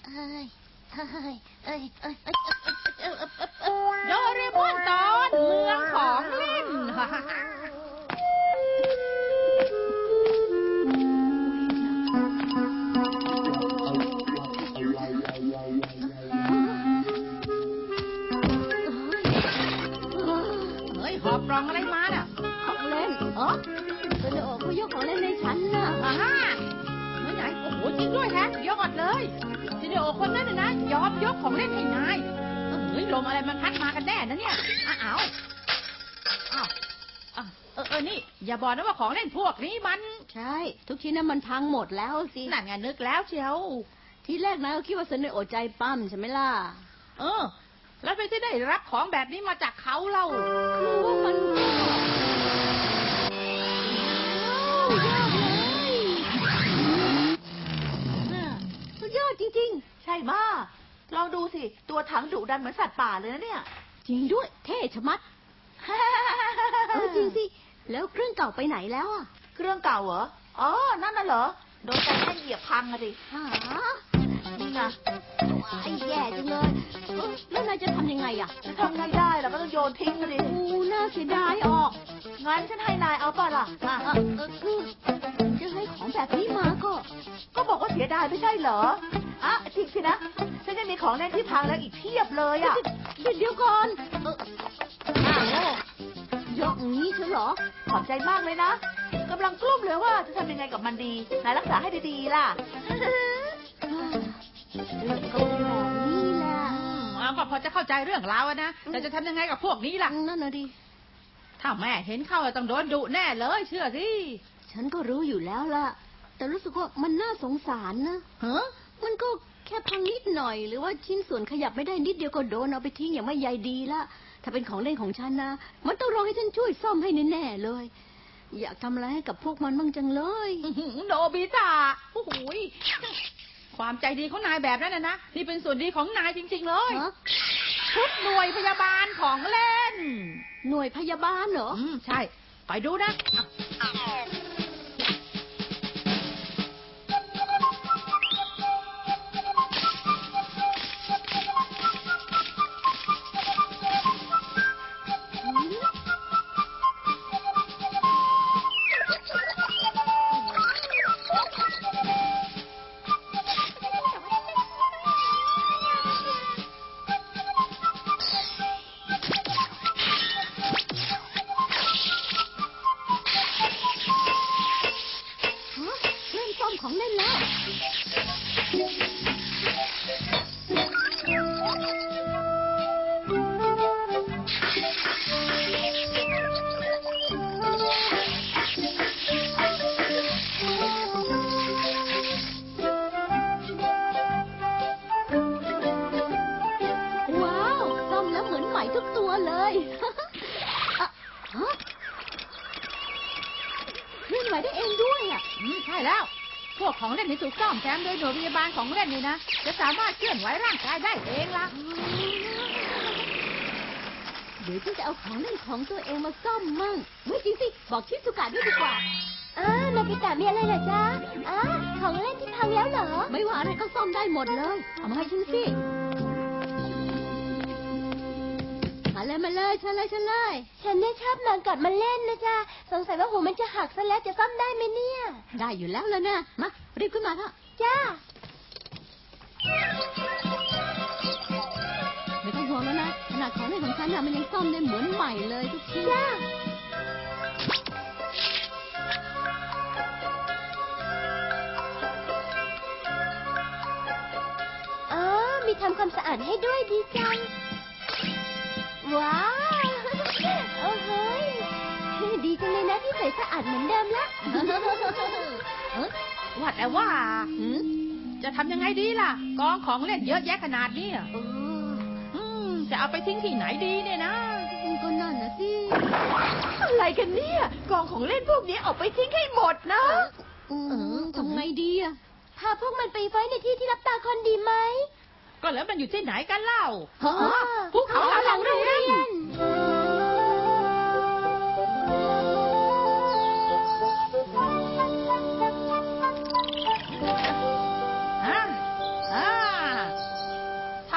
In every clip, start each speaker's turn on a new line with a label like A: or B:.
A: โดเรมอนตอนเมืองของเล่นหอบกล่องอะไรมาน่ะ
B: ของเล่นโซเนโอะเขายกของเล่นในฉันน่ะ
A: ไหนโอ้โหจริงด้วยแฮะยอดเลยโซเนโอะคนนั้นนะยอมยกของเล่นให้นายลมอะไรมันพัดมากันแน่นะเนี่ยอ้าวนี่อย่าบอกนะว่าของเล่นพวกนี้มัน
B: ใช่ทุกชิ้นนั้นมันพังหมดแล้วสิ
A: นั่นไงนึกแล้วเชียว
B: ทีแรกนะก็คิดว่าโซเนโอะใจปั้มใช่ไหมล่ะ
A: แล้วไปที่ได้รับของแบบนี้มาจากเขาเล่า
B: คือว่ามันสุดยอดจริง
C: ๆใช่มาลองดูสิตัวถังดุดันเหมือนสัตว์ป่าเลยนะเนี่ย
B: จริงด้วยเท่ชะมัดจริงสิแล้วเครื่องเก่าไปไหนแล้วอ่ะ
C: เครื่องเก่าเหรอนั่นน่ะเหรอโดนใจแอนเหยียบพังอะดิ
B: นี่ไงไอ้แย่จังเลยแล้วนายจะทำยังไงอ่ะ
C: จะทำไงได้เราก็ต้องโยนทิ้งกันดิ
B: น่าเสียดายออก
C: งั้นฉันให้นายเอาป่ะล่ะ
B: จะให้ของแบบนี้มา
C: ก็บอกว่าเสียดายไม่ใช่เหรอจริงสินะฉันยังมีของเล่นที่พังแล้วอีกเพียบเลยอ่ะ
B: เดี๋ยวก่อนยกอย่างนี้ใช่เหรอ
C: ขอบใจมากเลยนะกำลังกลุ้มเลยว่าจะทำยังไงกับมันดีนายรักษาให้ดีๆล่ะ
B: ก็เป็นแบบนี้แหละ
A: ก็พอจะเข้าใจเรื่องราวนะแต่จะทำยังไงกับพวกนี้ล่ะ
B: นั่นน่ะดิ
A: ถ้าแม่เห็นเข้าต้องโดนดุแน่เลยเชื่อสิ
B: ฉันก็รู้อยู่แล้วล่ะแต่รู้สึกว่ามันน่าสงสารนะมันก็แค่พังนิดหน่อยหรือว่าชิ้นส่วนขยับไม่ได้นิดเดียวก็โดนเอาไปทิ้งอย่างไม่ใยดีละถ้าเป็นของเล่นของฉันนะมันต้องรอให้ฉันช่วยซ่อมให้แน่ๆเลยอยากทำอะไรให้กับพวกมันบ้างจังเลย
A: โนบิตะโอ้โหความใจดีของนายแบบนั้นนะนี่เป็นส่วนดีของนายจริงๆเลยชุดหน่วยพยาบาลของเล่น
B: หน่วยพยาบาลเหรอ
A: ใช่ไปดูนะ
B: ของเล่นแล้วว้าวซ่อมแล้วเหมือนใหม่ทุกตัวเลยเคลื่อนไหวได้เองด้วยอ่ะ
A: ใช่แล้วพวกของเล่นที่ถูกซ่อมแซมโดยหน่วยพยาบาลของเล่นนี่นะจะสามารถเคลื่อนไหวร่างกายได้เองล่ะ
B: เดี๋ยวฉันจะเอาของเล่นของตัวเองมาซ่อมมั่งไม่จริงสิบอกชิสุกะด้วยดีกว่า
D: นาบิตะมีอะไรเหรอจ๊ะของเล่นที่พังแล้วเหรอ
B: ไม่ว่าอะไรก็ซ่อมได้หมดเลยเอามาให้ฉันสิมาเลยฉันเลย
D: ฉันเนี่ยชอบนอนกอดมันเล่นนะจ๊ะสงสัยว่าหูมันจะหักซะแล้วจะซ่อมได้ไหมเนี่ย
B: ได้อยู่แล้วเลยนะมารีบขึ้นมาเถอะ
D: จ้า
B: ไม่ต้องห่วงแล้วนะขนาดของเล่นของฉันมันยังซ่อมได้เหมือนใหม่เลยทุกชิ้น
D: จ้ามีทำความสะอาดให้ด้วยดีจังว้าวโอ้โหดีจังเลยนะที่ใส่สะอาดเหมือนเดิมละ
A: ว่าแต่ว่าจะทำยังไงดีล่ะกองของเล่นเยอะแยะขนาดนี้จะเอาไปทิ้งที่ไหนดีเนี่ยนะ
B: ก็นั่นนะสิ
C: อะไรกันเนี่ยกองของเล่นพวกนี้เอาไปทิ้งให้หมดนะ
B: ทำไงดีอะ
D: พาพวกมันไปไว้ในที่ที่รับตาคนดีไหม
A: ก็แล้วมันอยู่ที่ไหนกันเล่า
D: ภูเขาหลังโรงเรียน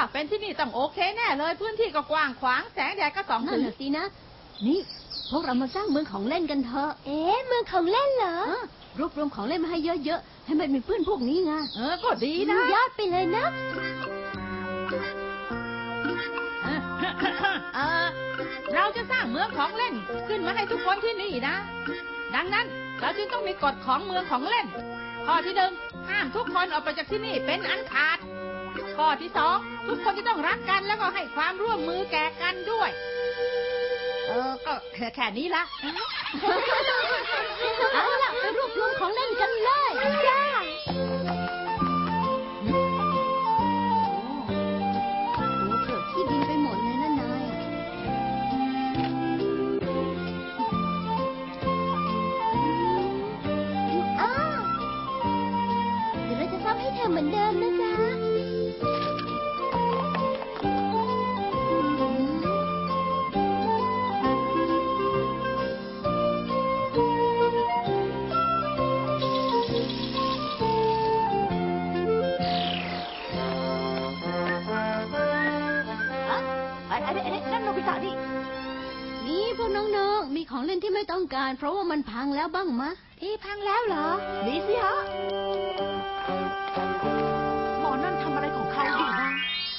A: เป็นที่นี่ต้องโอเคแน่เลยพื้นที่ก็กว้างขวางแสงแดดก็ส่อง
B: นั่
A: ถึ
B: น
A: ง
B: น่ะสินะ นี่พวกเรามาสร้างเมืองของเล่นกันเถอะ
D: เอ๊ะเมืองของเล่นเหรอ
B: รวบรวมของเล่นมาให้เยอะๆ ให้มันมีเพื่อนพวกนี้ไง
A: ก็ดีนะ
D: ยอดไปเลยนะ
A: เราจะสร้างเมืองของเล่นขึ้นมาให้ทุกคนที่นี่นะ ดังนั้นเราจึงต้องมีกฎของเมืองของเล่น ข้อที่หนึ่งห้ามทุกคนออกไปจากที่นี่เป็นอันขาด ข้อที่สองทุกคนจะต้องรักกันแล้วก็ให้ความร่วมมือแก่กันด้วย ก็แค่นี้ละ
B: เอาล่ะไปรวบรวมของเล่นกันเลยจ้าตัวเกิดที่ดินไปหมดเลยนะนายอะ
D: อ้าวเดี๋ยวเราจะซ่อมให้เธอเหมือนเดิมนะจ๊ะ
C: ไอ้นั่นโนบิตะนี่
B: นี่พวกน้องๆ มีของเล่นที่ไม่ต้องการ เพราะว่ามันพังแล้วบ้างมะ
D: ที่พังแล้วเหรอ
C: มีสิฮะหมอนั่นทำอะไรของเขาอยู่นะ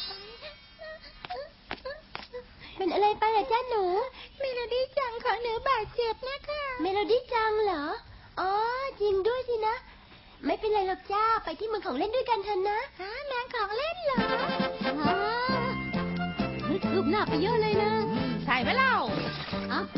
D: เป็นอะไรไปล่ะจ้าหนู เมโลดี้จังของหนูบาดเจ็บนะคะ เมโลดี้จังเหรอ อ๋อ จริงด้วยสินะ ไม่เป็นไรหรอกจ้า ไปที่เมืองของเล่นด้วยกันเถอะนะฮะเมืองของเล่นเหรอ
B: คืบหน้าไปเยอะเลยนะ
A: ใช่ไหมเล่า
B: อ่ะ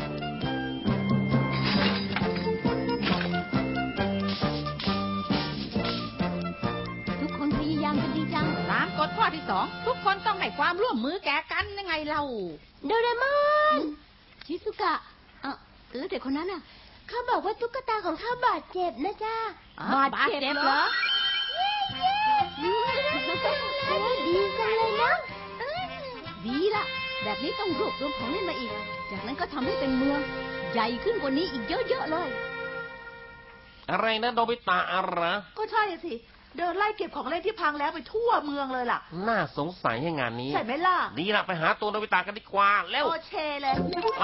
B: ทุกคนพยายามกันดีจัง
A: ตามกฎข้อที่สองทุกคนต้องให้ความร่วมมือแก่กันยังไงเรา
D: โดเรมอน
B: ชิซุกะอ่ะแล้วเด็กคนนั้นอ่ะ
D: เขาบอกว่าตุ๊กตาของเขาบาดเจ็บนะจ้า
A: บาดเจ็บเหรอ
D: ดีจังเลยนะ
B: ดีละแบบนี้ต้องรวบรวมของเล่นมาอีก จากนั้นก็ทำให้เป็นเมือง ใหญ่ขึ้นกว่านี้อีกเยอะๆเลย
E: อะไรนะโนบิตะอะไร
C: ก็ใช่สิ เดินไล่เก็บของเล่นที่พังแล้วไปทั่วเมืองเลยล่ะ
E: น่าสงสัยให้งานนี้
C: ใช่ไหมล่ะ
E: ดีละไปหาตัวโนบิตะกันดีกว่าเร็ว
C: โอเชเลย
E: มา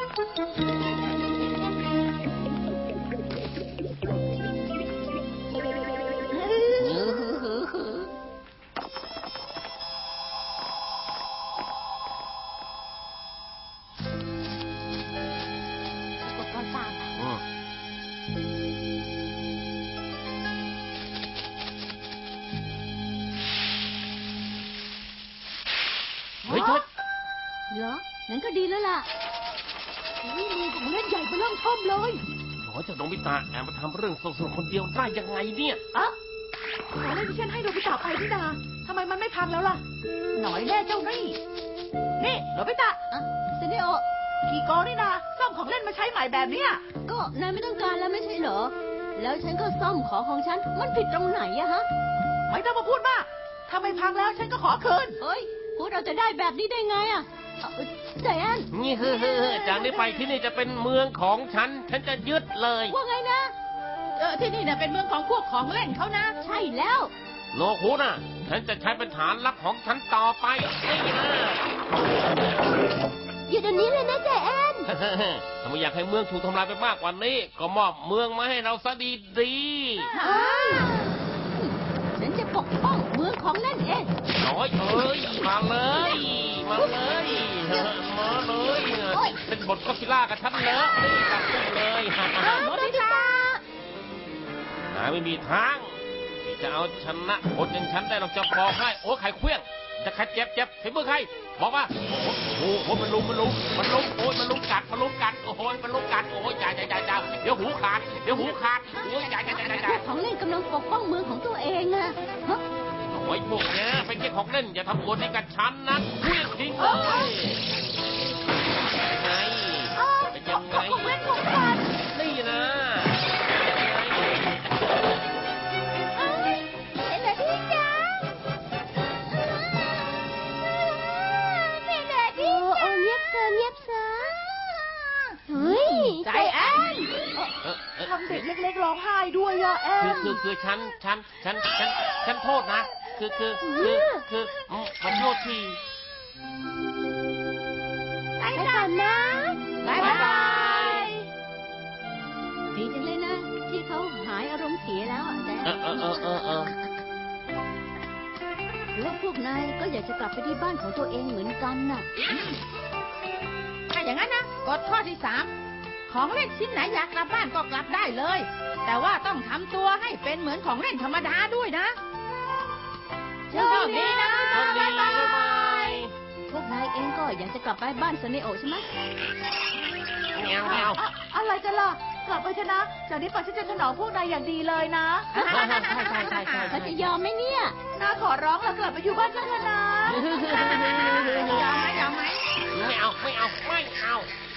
D: อุปกรณ์ตาม
E: อืมเฮ้ยทุก
B: เหรอ งั้นก็ดีแล้วล่ะนี่เมืองของเล่นใหญ่ไปเริ่มท่อมเลย
E: หนอเจ้าโนบิตะแอบมาทำเรื่องสนุกๆคนเดียวได้ยังไงเนี่ย
C: อะของเล่นที่ฉันให้โนบิตะไปนี่นาทำไมมันไม่พังแล้วล่ะ หน่อยแน่เจ้านี่ นี่โนบิตะ
B: อ่ะเซเนโอ
C: ขี่โกนี่นาซ่อมของเล่นมาใช้ใหม่แบบเนี้ย
B: ก็นายไม่ต้องการแล้วไม่ใช่เหรอ แล้วฉันก็ซ่อมของฉัน มันผิดตรงไหนอะฮะ
C: ไม่ต้องมาพูดมากถ้าไม่พังแล้วฉันก็ขอคืน
B: เฮ้ย พูดเราจะได้แบบนี้ได้ไงอะใจแอน
E: นี่จากนี้ไปที่นี่จะเป็นเมืองของฉัน ฉันจะยึดเลย
B: ว่าไงนะ
A: ที่นี่เนี่ยเป็นเมืองของพวกของเล่นเขานะ
B: ใช่แล้ว
E: โนคุน่ะ ฉันจะใช้เป็นฐานลับของฉันต่อไปนี่นะ
D: อยู่เดี๋ยวนี้เลยนะใจแอน
E: ถ้าไม่อยากให้เมืองถูกทำลายไปมากกว่านี้ ก็มอบเมืองมาให้เราซะดีดี
B: ฉันจะปกป้องเมืองของเล่นเอง
E: ๆน้อยเอ้ยมาเลยมาเลยมาเลยเป็นบทก็อดซิลล่ากับฉันเลยนี่จับได้เลย
A: โนบิตะ
E: หาไม่มีทางที่จะเอาชนะคนอย่างฉันได้หรอกจะบอกให้โอ้ไข่เคลี้ยงจะใครเจ็บฝีมือใครบอกว่าโอ้โหมันลุมโอ้ยมันลุมกัดโอ้ยมันลุมกัดโอ้ยจ่าเดี๋ยวหูขาดโอ้ยจ่า
B: ของเล่นกำลังปกป้องเมืองของตัวเองอะฮะ
E: โอ้ยพวกเนี้ยเป็นแค่ของเล่นอย่าทำอวดให้กับฉันนะเคลี้ยงทิ้งเลยไงเป็นยังไง
C: ของเล่นของฉัน
E: นี่นะ
D: เมโลดี้จังเมโลดี้จังเงียบเซอเฮ้ย
A: ใจแอน
C: ทำเด็กเล็กๆร้องไห้ด้วยอะแอน
E: คือฉันโทษนะขอโทษที
D: ไปก่อนนะ
A: บ๊ายบาย
B: ดีจังเลยนะ ที่เขาหายอารมณ์เสียแล้วอะแดน หรือว่าพวกนายก็อยากจะกลับไปที่บ้านของตัวเองเหมือนกันน่ะ
A: ถ้าอย่างนั้นนะกฎข้อที่3ของเล่นชิ้นไหนอยากกลับบ้านก็กลับได้เลย แต่ว่าต้องทำตัวให้เป็นเหมือนของเล่นธรรมดาด้วยนะโชคดีนะ
E: โชคดี
A: บ๊ายบา
E: บ๊ายบาย ย
B: พวกนายเองก็อยากจะกลับไปบ้านซันเนโอใช่ไหม
E: ไม่เอาไม่เอา
C: อะไรกันล่ะ กลับไปเถอะนะ จากนี้ไปฉันจะถนอมพวกนายอย่างดีเลยนะ
B: เขาจะยอมไหมเนี่ย
C: น้าขอร้องแล้วกลับไปอยู่บ้านกันเถอะนะ
A: ยอมไหม
E: ไม่เอาไม่เอาไม่เอา